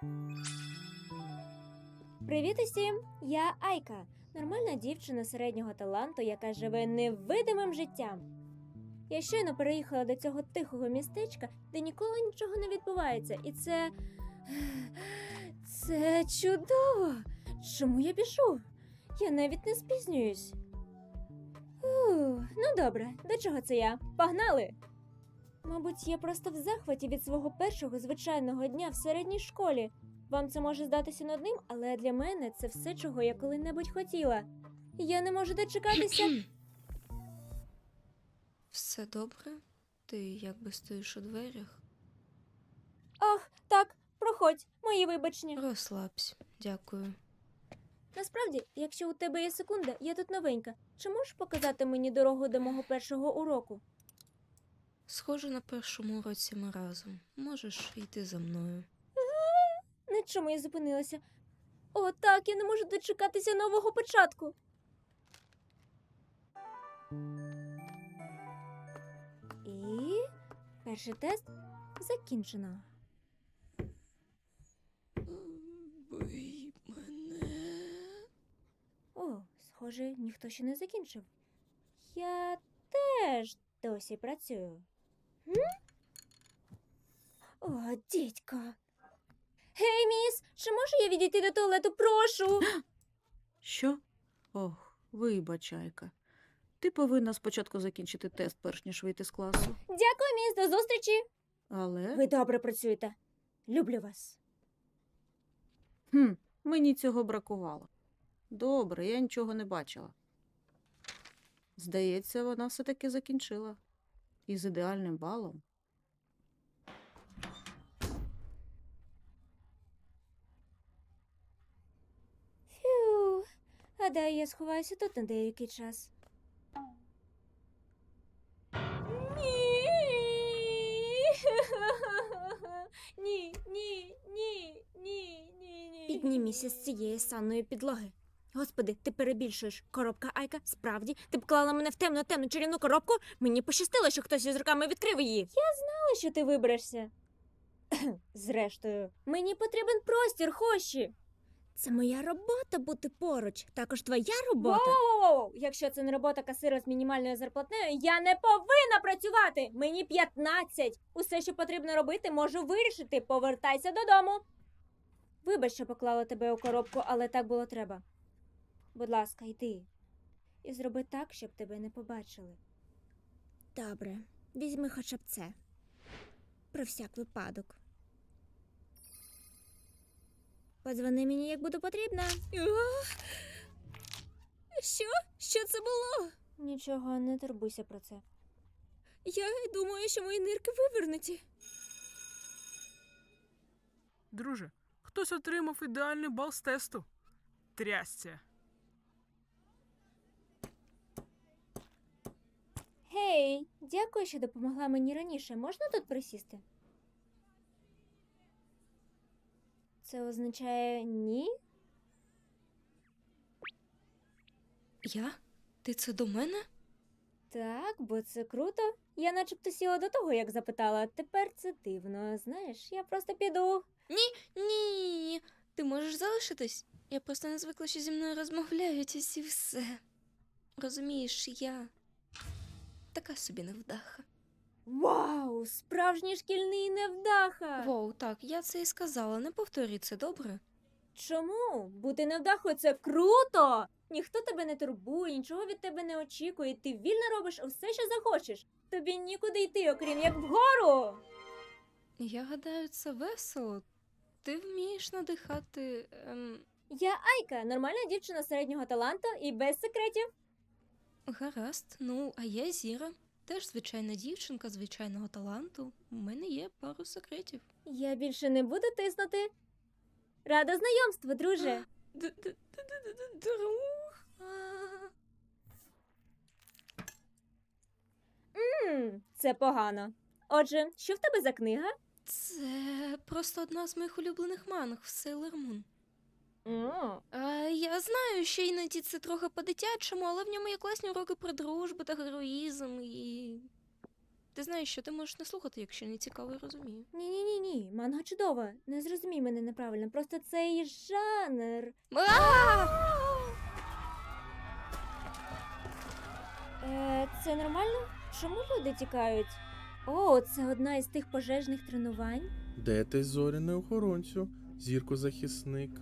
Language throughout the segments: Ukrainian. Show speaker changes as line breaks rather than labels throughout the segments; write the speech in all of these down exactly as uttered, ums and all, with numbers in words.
Привіт усім! Я Айка, нормальна дівчина середнього таланту, яка живе невидимим життям. Я щойно переїхала до цього тихого містечка, де ніколи нічого не відбувається, і це... Це чудово! Чому я біжу? Я навіть не спізнююсь. Ух, ну добре, до чого це я? Погнали! Мабуть, я просто в захваті від свого першого звичайного дня в середній школі. Вам це може здатися нудним, але для мене це все, чого я коли-небудь хотіла. Я не можу дочекатися.
Все добре? Ти якби стоїш у дверях?
Ах, так, проходь, мої вибачення.
Розслабся, дякую.
Насправді, якщо у тебе є секунда, я тут новенька. Чи можеш показати мені дорогу до мого першого уроку?
Схоже, на першому уроці ми разом. Можеш йти за мною.
На чому я зупинилася? О, так, я не можу дочекатися нового початку. І перший тест закінчено.
Бий мене.
О, схоже, ніхто ще не закінчив. Я теж досі працюю. М? О, дідько. Гей, міс, чи можу я відійти до туалету? Прошу.
Що? Ох, вибач, Айка. Ти повинна спочатку закінчити тест, перш ніж вийти з класу.
Дякую, міс, до зустрічі.
Але
Ви добре працюєте. Люблю вас.
хм, мені цього бракувало. Добре, я нічого не бачила. Здається, вона все-таки закінчила. І з ідеальним балом.
Фью. Гадаю, я сховаюся тут на деякий час. Ні. Ні, ні, ні, ні, ні, ні. Підніміся з цієї санної підлоги. Господи, ти перебільшуєш. Коробка Айка, справді? Ти б клала мене в темну-темну чарівну коробку? Мені пощастило, що хтось із руками відкрив її. Я знала, що ти виберешся. Зрештою, мені потрібен простір, Хоші. Це моя робота бути поруч. Також твоя робота. Воу-воу-воу! Якщо це не робота касира з мінімальною зарплатнею, я не повинна працювати! Мені п'ятнадцять! Усе, що потрібно робити, можу вирішити. Повертайся додому. Вибач, що поклала тебе у коробку, але так було треба. Будь ласка, йди. І зроби так, щоб тебе не побачили. Добре, візьми хоча б це. Про всяк випадок. Подзвони мені, як буде потрібно. Що? Що це було? Нічого, не турбуйся про це. Я думаю, що мої нирки вивернуті.
Друже, хтось отримав ідеальний бал з тесту. Трясця.
Гей, дякую, що допомогла мені раніше. Можна тут присісти? Це означає ні?
Я? Ти це до мене?
Так, бо це круто. Я начебто сіла до того, як запитала. Тепер це дивно. Знаєш, я просто піду.
Ні, ти можеш залишитись. Я просто не звикла, що зі мною розмовляють, ось і все. Розумієш, я така собі невдаха.
Вау, справжній шкільний невдаха!
Воу, так, я це і сказала, не повторюй це, добре?
Чому? Бути невдахою – це круто! Ніхто тебе не турбує, нічого від тебе не очікує, ти вільно робиш усе, що захочеш. Тобі нікуди йти, окрім як вгору!
Я гадаю, це весело. Ти вмієш надихати. Ем...
Я Айка, нормальна дівчина середнього таланту і без секретів.
Гаразд, ну, а я Зіра. Теж звичайна дівчинка звичайного таланту. У мене є пару секретів.
Я більше не буду тиснути. Рада знайомству, друже.
Друг.
Ммм, це погано. Отже, що в тебе за книга?
Це просто одна з моїх улюблених манг в Sailor Moon.
О,
А, я знаю, що іноді це трохи по-дитячому, але в ньому є класні уроки про дружбу та героїзм і... Ти знаєш, що ти можеш не слухати, якщо не цікаво і розумію.
Ні, ні, ні, ні. Манга чудова. Не зрозумій мене неправильно. Просто цей жанр. Е, це нормально? Чому люди тікають? О, це одна із тих пожежних тренувань.
Де ти, зоряний охоронцю? Зірко-захисник.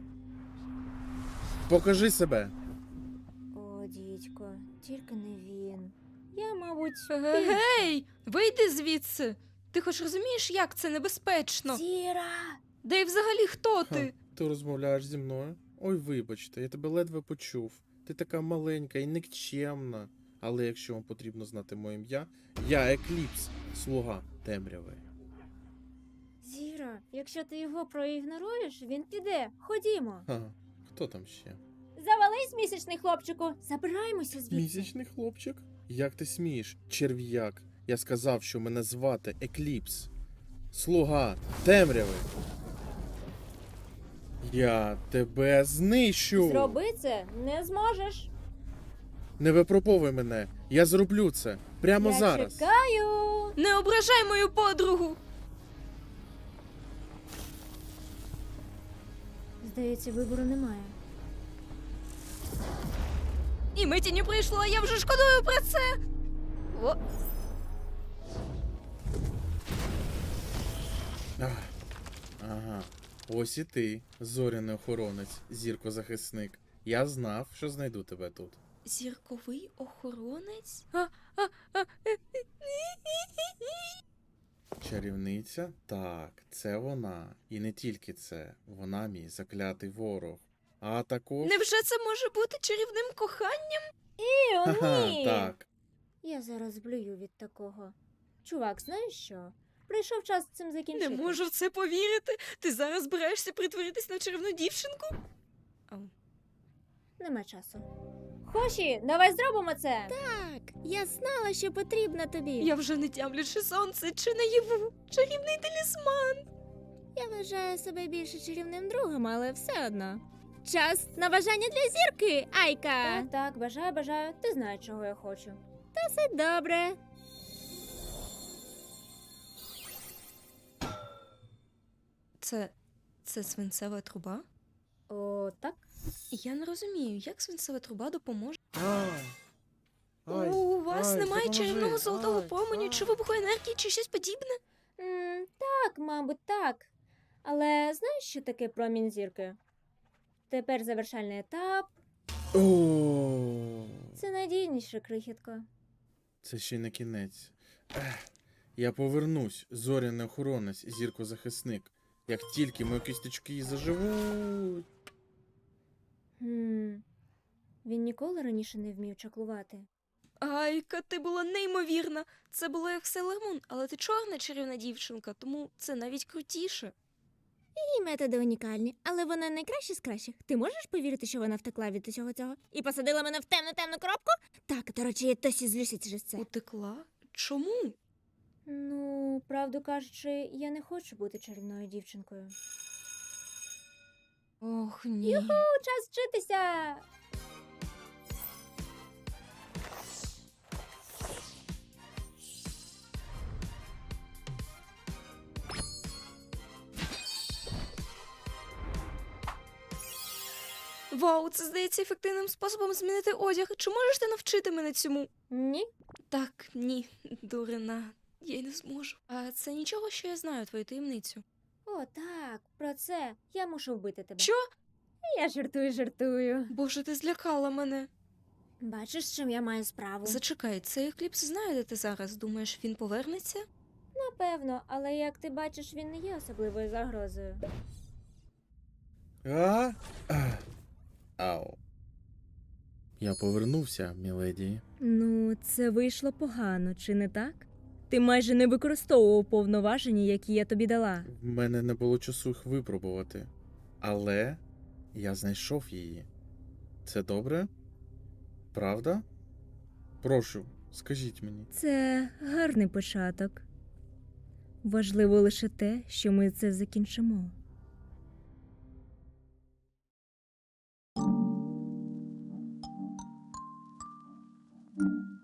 Покажи себе.
О, дідько, тільки не він. Я, мабуть,
Гей! Вийди звідси! Ти хоч розумієш, як це небезпечно?
Зіра!
Да й взагалі хто
Ха,
ти?
ти розмовляєш зі мною? Ой, вибачте, я тебе ледве почув. Ти така маленька і нікчемна. Але якщо вам потрібно знати моє ім'я, я Екліпс, слуга темряви.
Зіра, якщо ти його проігноруєш, він піде. Ходімо.
Ха, хто там ще?
Завались, місячний хлопчику. Забираємося звідси.
Місячний хлопчик? Як ти смієш, черв'як? Я сказав, що мене звати Екліпс. Слуга темряви. Я тебе знищу.
Зроби це не зможеш.
Не випробовуй мене. Я зроблю це прямо
Я
зараз.
чекаю.
Не ображай мою подругу!
Здається, вибору немає.
І миті не прийшло, а я вже шкодую про це. О,
Ах, ага. Ось і ти, зоряний охоронець, зірко-захисник. Я знав, що знайду тебе тут.
зірковий охоронець? А, а, а, е,
Чарівниця? Так, це вона. І не тільки це. Вона мій заклятий ворог. А також.
невже це може бути чарівним коханням?
І, о,
Ха-ха,
ні.
так.
Я зараз блюю від такого. Чувак, знаєш що? Прийшов час з цим закінчити.
Не можу в це повірити. Ти зараз збираєшся притворитись на чарівну дівчинку? Ау.
Нема часу. Хоші, давай зробимо це. Так, я знала, що потрібно тобі.
Я вже не тямлячи сонце чи наяву. Чарівний талісман.
Я вважаю себе більше чарівним другом, але все одно. Час на бажання для зірки, Айка. Так, так, бажаю, бажаю. Ти знаєш, чого я хочу. Та все добре.
Це. це свинцева труба?
О, так.
Я не розумію, як свинцева труба допоможе.
Ай. Ай,
У вас
ай,
немає
допоможи.
чарівного золотого
Ай,
променю
ай.
чи вибухоенергії, чи щось подібне?
М, так, мабуть, так. Але знаєш, що таке промінь зірки? Тепер завершальний етап.
О,
Це надійніше, крихітко.
це ще не кінець. Ех, я повернусь, зоряний охоронець, зірко-захисник. Як тільки мої кісточки заживуть.
Хм. Він ніколи раніше не вмів чаклувати.
Айка, ти була неймовірна. Це було як Сейлор Мун, але ти чорна чарівна дівчинка, тому це навіть крутіше.
Її методи унікальні, але вона найкраща з кращих. Ти можеш повірити, що вона втекла від усього цього? І посадила мене в темну темну коробку? Так, до речі, я досі злюся через це.
Утекла? Чому?
Ну, правду кажучи, я не хочу бути чарівною дівчинкою.
Ох, ні.
Ну, час вчитися!
Вау, це здається ефективним способом змінити одяг. Чи можеш ти навчити мене цьому?
Ні?
Так, ні, дурина. Я й не зможу. А це нічого, що я знаю твою таємницю.
О, так, про це. Я мушу вбити тебе.
Що?
Я жартую, жартую.
Боже, ти злякала мене.
Бачиш, з чим я маю справу?
Зачекай, цей екліпс знає, де ти зараз. Думаєш, він повернеться?
Напевно, але як ти бачиш, він не є особливою загрозою.
А? Ах. Ау. Я повернувся, міледі.
Ну, це вийшло погано, чи не так? Ти майже не використовував повноваження, які я тобі дала.
В мене не було часу їх випробувати. Але я знайшов її. Це добре? Правда? Прошу, скажіть мені.
Це гарний початок. Важливо лише те, що ми це закінчимо.
Thank you.